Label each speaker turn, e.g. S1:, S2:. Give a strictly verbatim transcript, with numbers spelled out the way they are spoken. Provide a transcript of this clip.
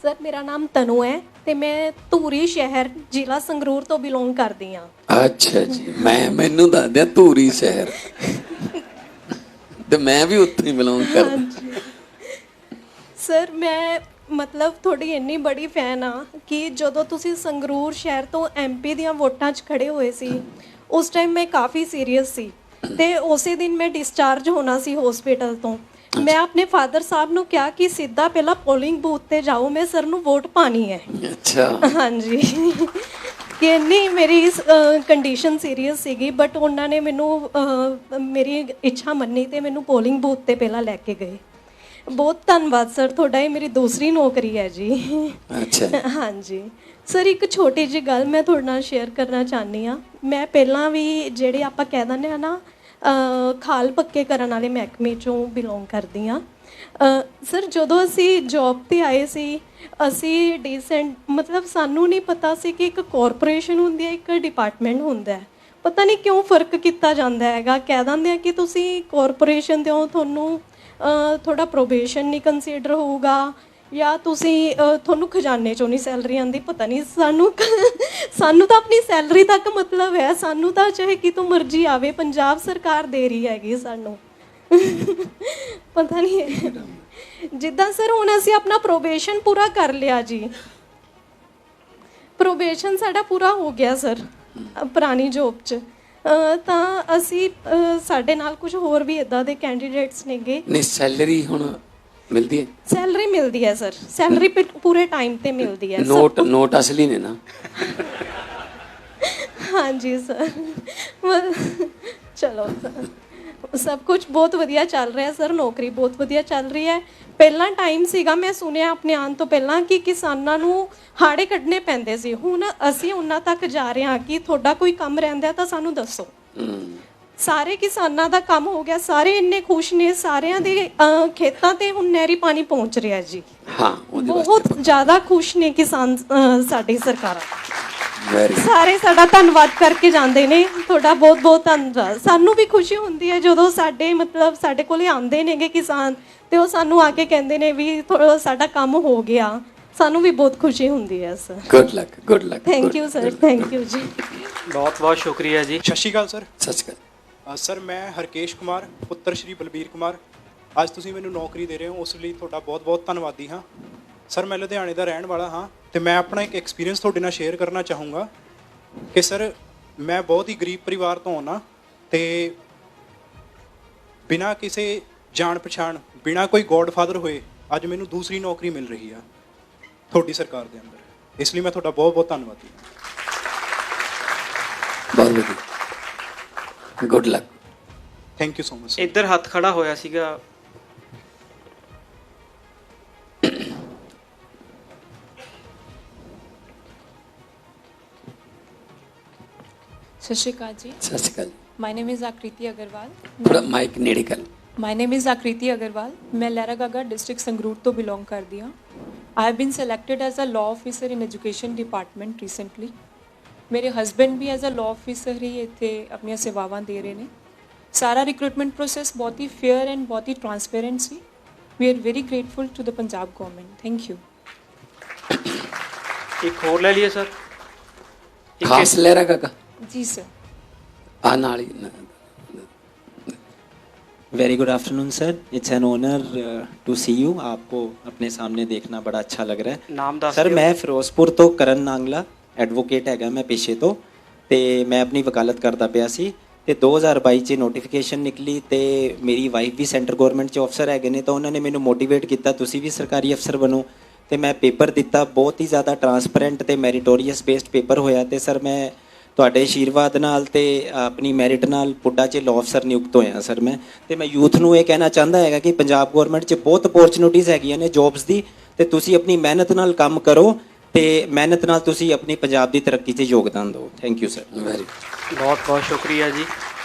S1: Sir ਮੇਰਾ ਨਾਮ ਤਨੂ ਹੈ ਤੇ ਮੈਂ ਧੂਰੀ ਸ਼ਹਿਰ ਜ਼ਿਲ੍ਹਾ ਸੰਗਰੂਰ ਤੋਂ ਬਿਲੋਂਗ ਕਰਦੀ ਹਾਂ।
S2: ਅੱਛਾ ਜੀ, ਮੈਂ ਮੈਨੂੰ ਦੱਸ ਦਿਆ ਧੂਰੀ ਸ਼ਹਿਰ ਤੇ ਮੈਂ ਵੀ ਉੱਥੇ ਹੀ ਬਿਲੋਂਗ ਕਰਦਾ।
S1: ਸਰ ਮੈਂ ਮਤਲਬ ਤੁਹਾਡੀ ਇੰਨੀ ਬੜੀ ਫੈਨ ਆ ਕਿ ਜਦੋਂ ਤੁਸੀਂ ਸੰਗਰੂਰ ਸ਼ਹਿਰ ਤੋਂ ਐਮਪੀ ਦੀਆਂ ਵੋਟਾਂ 'ਚ ਖੜੇ ਹੋਏ ਸੀ ਉਸ ਟਾਈਮ ਮੈਂ ਕਾਫੀ ਸੀਰੀਅਸ ਸੀ ਤੇ ਉਸੇ ਦਿਨ ਮੈਂ ਡਿਸਚਾਰਜ ਹੋਣਾ ਸੀ ਹਸਪੀਟਲ ਤੋਂ। ਮੈਂ ਆਪਣੇ ਫਾਦਰ ਸਾਹਿਬ ਨੂੰ ਕਿਹਾ ਕਿ ਸਿੱਧਾ ਪਹਿਲਾਂ ਪੋਲਿੰਗ ਬੂਥ ਤੇ ਜਾਓ, ਮੈਂ ਸਰ ਨੂੰ ਵੋਟ ਪਾਣੀ ਹੈ।
S2: ਅੱਛਾ,
S1: ਹਾਂਜੀ ਕਿ ਇੰਨੀ ਮੇਰੀ ਕੰਡੀਸ਼ਨ ਸੀਰੀਅਸ ਸੀਗੀ, ਬਟ ਉਹਨਾਂ ਨੇ ਮੈਨੂੰ ਮੇਰੀ ਇੱਛਾ ਮੰਨੀ ਤੇ ਮੈਨੂੰ ਪੋਲਿੰਗ ਬੂਥ ਤੇ ਪਹਿਲਾਂ ਲੈ ਕੇ ਗਏ। ਬਹੁਤ ਧੰਨਵਾਦ ਸਰ ਤੁਹਾਡਾ, ਇਹ ਮੇਰੀ ਦੂਸਰੀ ਨੌਕਰੀ ਹੈ ਜੀ।
S2: ਅੱਛਾ
S1: ਹਾਂਜੀ ਸਰ, ਇੱਕ ਛੋਟੀ ਜਿਹੀ ਗੱਲ ਮੈਂ ਤੁਹਾਡੇ ਨਾਲ ਸ਼ੇਅਰ ਕਰਨਾ ਚਾਹੁੰਦੀ ਹਾਂ। ਮੈਂ ਪਹਿਲਾਂ ਵੀ ਜਿਹੜੇ ਆਪਾਂ ਕਹਿ ਦਿੰਦੇ ਹਾਂ ਨਾ ਖਾਲ ਪੱਕੇ ਕਰਨ ਵਾਲੇ ਮਹਿਕਮੇ 'ਚੋਂ ਬਿਲੋਂਗ ਕਰਦੀ ਹਾਂ। ਸਰ ਜਦੋਂ ਅਸੀਂ ਜੋਬ 'ਤੇ ਆਏ ਸੀ ਅਸੀਂ ਡੀਸੈਂਟ ਮਤਲਬ ਸਾਨੂੰ ਨਹੀਂ ਪਤਾ ਸੀ ਕਿ ਇੱਕ ਕਾਰਪੋਰੇਸ਼ਨ ਹੁੰਦੀ ਹੈ, ਇੱਕ ਡਿਪਾਰਟਮੈਂਟ ਹੁੰਦਾ ਹੈ। ਪਤਾ ਨਹੀਂ ਕਿਉਂ ਫਰਕ ਕੀਤਾ ਜਾਂਦਾ ਹੈਗਾ। ਕਹਿ ਦਿੰਦੇ ਆ ਕਿ ਤੁਸੀਂ ਕਾਰਪੋਰੇਸ਼ਨ ਦੇ ਹੋ, ਤੁਹਾਨੂੰ ਥੋੜ੍ਹਾ ਪ੍ਰੋਬੇਸ਼ਨ ਨਹੀਂ ਕੰਸੀਡਰ ਹੋਊਗਾ ਜਾਂ ਤੁਸੀਂ ਤੁਹਾਨੂੰ ਖਜ਼ਾਨੇ 'ਚੋਂ ਨਹੀਂ ਸੈਲਰੀ ਆਉਂਦੀ। ਪਤਾ ਨਹੀਂ ਸਾਨੂੰ ਸਾਨੂੰ ਤਾਂ ਆਪਣੀ ਸੈਲਰੀ ਤੱਕ ਮਤਲਬ ਹੈ, ਸਾਨੂੰ ਤਾਂ ਚਾਹੇ ਕਿਤੋਂ ਮਰਜ਼ੀ ਆਵੇ ਪੰਜਾਬ ਸਰਕਾਰ ਦੇ ਰਹੀ ਹੈਗੀ ਸਾਨੂੰ। ਪਤਾ ਨਹੀਂ ਜਿੱਦਾਂ ਸਰ ਹੁਣ ਅਸੀਂ ਆਪਣਾ ਪ੍ਰੋਬੇਸ਼ਨ ਪੂਰਾ ਕਰ ਲਿਆ ਜੀ, ਪ੍ਰੋਬੇਸ਼ਨ ਸਾਡਾ ਪੂਰਾ ਹੋ ਗਿਆ ਸਰ ਪੁਰਾਣੀ ਜੋਬ 'ਚ, ਤਾਂ ਅਸੀਂ ਸਾਡੇ ਨਾਲ ਕੁਝ ਹੋਰ ਵੀ ਇੱਦਾਂ ਦੇ ਕੈਂਡੀਡੇਟਸ ਨੇਗੇ।
S2: ਨਹੀਂ ਸੈਲਰੀ ਹੁਣ ਮਿਲਦੀ ਹੈ? ਸੈਲਰੀ
S1: ਮਿਲਦੀ ਹੈ ਸਰ, ਸੈਲਰੀ ਪੂਰੇ ਟਾਈਮ ਤੇ ਮਿਲਦੀ ਹੈ।
S2: ਨੋਟ ਨੋਟ ਅਸਲੀ ਨੇ ਨਾ?
S1: ਹਾਂਜੀ ਸਰ, ਚਲੋ ਸਭ ਕੁਝ ਬਹੁਤ ਵਧੀਆ ਚੱਲ ਰਿਹਾ ਸਰ, ਨੌਕਰੀ ਬਹੁਤ ਵਧੀਆ ਚੱਲ ਰਹੀ ਹੈ। ਪਹਿਲਾਂ ਟਾਈਮ ਸੀਗਾ ਮੈਂ ਸੁਣਿਆ ਆਪਣੇ ਆਉਣ ਤੋਂ ਪਹਿਲਾਂ ਕਿ ਕਿਸਾਨਾਂ ਨੂੰ ਹਾੜੇ ਕੱਢਣੇ ਪੈਂਦੇ ਸੀ, ਹੁਣ ਅਸੀਂ ਉਹਨਾਂ ਤੱਕ ਜਾ ਰਹੇ ਹਾਂ ਕਿ ਤੁਹਾਡਾ ਕੋਈ ਕੰਮ ਰਹਿੰਦਾ ਤਾਂ ਸਾਨੂੰ ਦੱਸੋ। ਸਾਰੇ ਕਿਸਾਨਾਂ ਦਾ ਕੰਮ ਹੋ ਗਿਆ, ਸਾਰੇ ਇੰਨੇ ਖੁਸ਼ ਨੇ, ਸਾਰਿਆਂ ਦੇ ਖੇਤਾਂ ਤੇ ਹੁਣ ਨਹਿਰੀ ਪਾਣੀ ਪਹੁੰਚ ਰਿਹਾ ਜੀ।
S2: ਹਾਂ,
S1: ਬਹੁਤ ਜ਼ਿਆਦਾ ਖੁਸ਼ ਨੇ ਕਿਸਾਨ ਸਾਡੀ ਸਰਕਾਰਾਂ,
S2: ਵੈਰੀ
S1: ਸਾਰੇ ਸਾਡਾ ਧੰਨਵਾਦ ਕਰਕੇ ਜਾਂਦੇ ਨੇ। ਤੁਹਾਡਾ ਬਹੁਤ ਬਹੁਤ ਧੰਨਵਾਦ। ਸਾਨੂੰ ਵੀ ਖੁਸ਼ੀ ਹੁੰਦੀ ਹੈ ਜਦੋਂ ਸਾਡੇ ਮਤਲਬ ਸਾਡੇ ਕੋਲੇ ਆਉਂਦੇ ਨੇਗੇ ਕਿਸਾਨ ਤੇ ਉਹ ਸਾਨੂੰ ਆ ਕੇ ਕਹਿੰਦੇ ਨੇ ਵੀ ਸਾਡਾ ਕੰਮ ਹੋ ਗਿਆ, ਸਾਨੂੰ ਵੀ ਬਹੁਤ ਖੁਸ਼ੀ ਹੁੰਦੀ ਹੈ sir.
S2: Good luck, good luck.
S1: Thank you sir, thank you ਜੀ।
S3: ਬਹੁਤ ਬਹੁਤ ਸ਼ੁਕਰੀਆ ਜੀ।
S4: ਸਤਿ ਸ਼੍ਰੀ ਅਕਾਲ ਸਰ।
S2: ਸਤਿ ਸ਼੍ਰੀ ਅਕਾਲ
S4: ਸਰ, ਮੈਂ ਹਰਕੇਸ਼ ਕੁਮਾਰ ਪੁੱਤਰ ਸ਼੍ਰੀ ਬਲਬੀਰ ਕੁਮਾਰ। ਅੱਜ ਤੁਸੀਂ ਮੈਨੂੰ ਨੌਕਰੀ ਦੇ ਰਹੇ ਹੋ ਉਸ ਲਈ ਤੁਹਾਡਾ ਬਹੁਤ ਬਹੁਤ ਧੰਨਵਾਦੀ ਹਾਂ ਸਰ। ਮੈਂ ਲੁਧਿਆਣੇ ਦਾ ਰਹਿਣ ਵਾਲਾ ਹਾਂ ਅਤੇ ਮੈਂ ਆਪਣਾ ਇੱਕ ਐਕਸਪੀਰੀਅੰਸ ਤੁਹਾਡੇ ਨਾਲ ਸ਼ੇਅਰ ਕਰਨਾ ਚਾਹੂੰਗਾ ਕਿ ਸਰ ਮੈਂ ਬਹੁਤ ਹੀ ਗਰੀਬ ਪਰਿਵਾਰ ਤੋਂ ਆਉਣਾ ਅਤੇ ਬਿਨਾਂ ਕਿਸੇ ਜਾਣ ਪਛਾਣ, ਬਿਨਾਂ ਕੋਈ ਗੋਡਫਾਦਰ ਹੋਏ ਅੱਜ ਮੈਨੂੰ ਦੂਸਰੀ ਨੌਕਰੀ ਮਿਲ ਰਹੀ ਆ ਤੁਹਾਡੀ ਸਰਕਾਰ ਦੇ ਅੰਦਰ। ਇਸ ਲਈ ਮੈਂ ਤੁਹਾਡਾ ਬਹੁਤ ਬਹੁਤ ਧੰਨਵਾਦੀ ਹਾਂ।
S2: ਬਹੁਤ ਵਧੀਆ, good luck.
S4: Thank you so much.
S3: ਇੱਧਰ ਹੱਥ ਖੜਾ ਹੋਇਆ ਸੀਗਾ।
S5: ਸਤਿ ਸ਼੍ਰੀ ਅਕਾਲ ਜੀ।
S2: ਸਤਿ ਸ਼੍ਰੀ ਅਕਾਲ।
S5: ਮਾਈ ਨੇਮ ਇਜ਼ ਆਕ੍ਰਿਤੀ ਅਗਰਵਾਲ।
S2: ਥੋੜਾ ਮਾਈਕ ਨੇੜੇ ਕਰ।
S5: My name is Akriti Agarwal. ਮੈਂ ਲਹਿਰਾਗਾਗਾ ਡਿਸਟ੍ਰਿਕਟ ਸੰਗਰੂਰ ਤੋਂ ਬਿਲੋਂਗ ਕਰਦੀ ਹਾਂ। I have been selected as a law officer in education department recently. ਮੇਰੇ ਹਸਬੈਂਡ ਵੀ ਐਜ਼ ਅ ਲਾਅ ਆਫਿਸਰ ਹੀ ਇੱਥੇ ਆਪਣੀਆਂ ਸੇਵਾਵਾਂ ਦੇ ਰਹੇ ਨੇ। ਸਾਰਾ ਰਿਕਰੂਟਮੈਂਟ ਪ੍ਰੋਸੈਸ ਬਹੁਤ ਹੀ ਫੇਅਰ ਐਂਡ ਬਹੁਤ ਹੀ ਟਰਾਂਸਪੇਰੈਂਟ ਸੀ। We are very grateful to the Punjab government. Thank you.
S3: ਇੱਕ ਹੋਰ ਲੈ ਲਈਏ ਸਰ।
S2: ਖਾਸ ਲਹਿਰਾਗਾਗਾ
S5: जी सर।
S2: आ नाल ही।
S6: Very good afternoon sir, it's an honour to see you. आपको अपने सामने देखना बड़ा अच्छा लग रहा है।
S3: नाम दस
S6: सर मैं फिरोजपुर तो करण नांगला एडवोकेट हैगा मैं पेशे तो, ते मैं अपनी वकालत करता पिया सी ते दो हज़ार बाई च नोटिफिकेशन निकली ते मेरी वाइफ भी सेंटर गौरमेंट च अफसर हैगे ने, तो उन्होंने मैनू मोटिवेट किया तुसी भी सरकारी अफसर बनो ते मैं पेपर दिता। बहुत ही ज़्यादा ट्रांसपेरेंट ते मैरिटोरीअस बेस्ड पेपर होया ते सर मैं ਤੁਹਾਡੇ ਆਸ਼ੀਰਵਾਦ ਨਾਲ ਤੇ ਆਪਣੀ ਮੈਰਿਟ ਨਾਲ ਪੁੱਡਾ 'ਚ ਲਾਅ ਅਫਸਰ ਨਿਯੁਕਤ ਹੋਇਆ ਸਰ ਮੈਂ। ਤੇ ਮੈਂ ਯੂਥ ਨੂੰ ਇਹ ਕਹਿਣਾ ਚਾਹੁੰਦਾ ਹੈਗਾ ਕਿ ਪੰਜਾਬ ਗੌਰਮੈਂਟ 'ਚ ਬਹੁਤ ਅਪੋਰਚੁਨਿਟੀਜ਼ ਹੈਗੀਆਂ ਨੇ ਜੋਬਸ ਦੀ, ਤੇ ਤੁਸੀਂ ਆਪਣੀ ਮਿਹਨਤ ਨਾਲ ਕੰਮ ਕਰੋ ਤੇ ਮਿਹਨਤ ਨਾਲ ਤੁਸੀਂ ਆਪਣੀ ਪੰਜਾਬ ਦੀ ਤਰੱਕੀ 'ਚ ਯੋਗਦਾਨ ਦਿਓ। Thank you sir.
S2: ਵੈਰੀ
S3: ਬਹੁਤ ਬਹੁਤ ਸ਼ੁਕਰੀਆ ਜੀ।